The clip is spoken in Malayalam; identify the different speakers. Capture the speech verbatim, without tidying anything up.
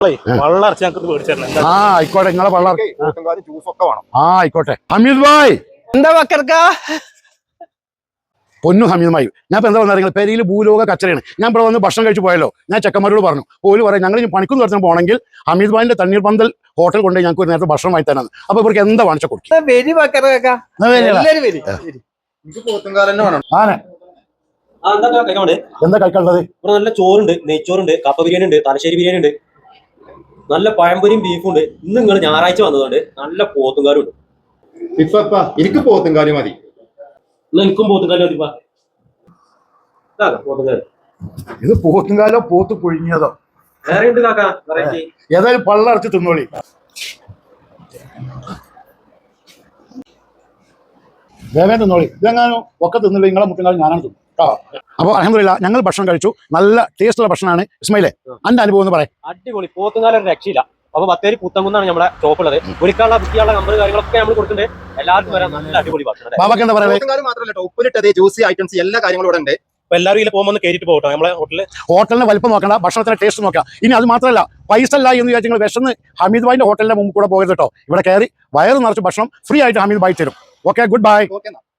Speaker 1: ആ ആയിക്കോട്ടെ നിങ്ങളെ വെള്ളം ജ്യൂസൊക്കെ വേണം. ആ ആയിക്കോട്ടെ. ഹമീദ് ഭായ്
Speaker 2: എന്താ ബക്കർക്ക
Speaker 1: പൊന്നു ഹമീദ് ഭായി, ഞാൻ ഇപ്പൊ എന്താ പറഞ്ഞാൽ പെരിയിൽ ഭൂലോക കച്ചറയാണ്. ഞാൻ ഇവിടെ വന്ന് ഭക്ഷണം കഴിച്ച് പോയല്ലോ. ഞാൻ ചെക്കന്മാരോട് പറഞ്ഞു, ഓല് പറയാം ഞങ്ങൾ ഇനി പണിക്കും തുടച്ചാൽ പോകണമെങ്കിൽ ഹമീദ് ഭായിന്റെ തണ്ണീർ പന്തൽ ഹോട്ടൽ കൊണ്ട് ഞങ്ങൾക്ക് ഒരു നേരത്തെ ഭക്ഷണം വാങ്ങി തരാന്ന്. അപ്പൊ ഇവർക്ക് എന്താ വാങ്ങിച്ച കൊടുക്കും? എന്താ കഴിക്കാനുള്ളത്?
Speaker 3: ഇവിടെ നല്ല ചോറുണ്ട്, നെയ്ച്ചോറുണ്ട്, കപ്പ ബിരിയാണി ഉണ്ട്, തലശ്ശേരി ബിരിയാണി ഉണ്ട്, നല്ല പഴംപൊരിയും ബീഫും ഉണ്ട്. ഇന്ന് നിങ്ങൾ ഞായറാഴ്ച വന്നതുകൊണ്ട് നല്ല പോത്തുംകാരും ഉണ്ട്.
Speaker 4: എനിക്ക് പോത്തുംകാരി മതി.
Speaker 3: എനിക്കും പോത്തുംകാലും മതിപ്പാ. പോത്തുംകാര്
Speaker 1: ഇത് പോത്തുംകാലോ പോത്ത് പുഴുങ്ങിയതോ
Speaker 3: വേറെ ഉണ്ട് കാക്ക. വെറൈറ്റി
Speaker 1: ഏതായാലും പള്ളടച്ച് തിന്നോളി. വേഗം തിന്നോളി. ഇതെങ്ങാനോ ഒക്കെ തിന്നില്ല നിങ്ങളെ മുട്ടുകാലും ഞാനാണ് തിന്നു. അപ്പോൾ അൽഹംദുലില്ലാ ഞങ്ങൾ ഭക്ഷണം കഴിച്ചു. നല്ല ടേസ്റ്റുള്ള ഭക്ഷണമാണ്. ഇസ്മായിലേ അന്റെ അനുഭവം എന്ന് പറയാം.
Speaker 3: അടിപൊളി പോത്തുംകാലം ഒരു രക്ഷയില്ല. അപ്പൊ ബത്തേരി പുത്തങ്കുന്നാണ് നമ്മുടെ ഷോപ്പ് ഉള്ളത്. വിളിക്കാനുള്ള ബുക്കിയുള്ള നമ്പർ കാര്യങ്ങളൊക്കെ നമ്മൾ കൊടുക്കുന്നുണ്ട്. എല്ലാവർക്കും വരാൻ നല്ല അടിപൊളി ഭക്ഷണം.
Speaker 1: ബാബക്ക് എന്താ പറയുക?
Speaker 4: മാത്രമല്ല ഉപ്പിലിട്ടത് ജ്യൂസി ഐറ്റംസ് എല്ലാ കാര്യങ്ങളും ഇവിടെ ഉണ്ട്.
Speaker 3: അപ്പൊ എല്ലാവരും ഇതിൽ പോകുമ്പോൾ കയറിയിട്ട് പോകട്ടോ നമ്മളെ ഹോട്ടലിൽ.
Speaker 1: ഹോട്ടലിന് വലിപ്പം നോക്കണ്ട, ഭക്ഷണത്തിന്റെ ടേസ്റ്റ് നോക്കാം. ഇനി അത് മാത്രമല്ല പൈസ അല്ല എന്ന് വിചാരിച്ചു നിങ്ങൾ വിശന്ന് ഹമീദ് ഭായിന്റെ ഹോട്ടലിന്റെ മുമ്പ് കൂടെ പോകരുത് കേട്ടോ. ഇവിടെ കയറി വയറ് നിറച്ച് ഭക്ഷണം ഫ്രീ ആയിട്ട് ഹമീദ് ഭായി തരും. Okay, good by.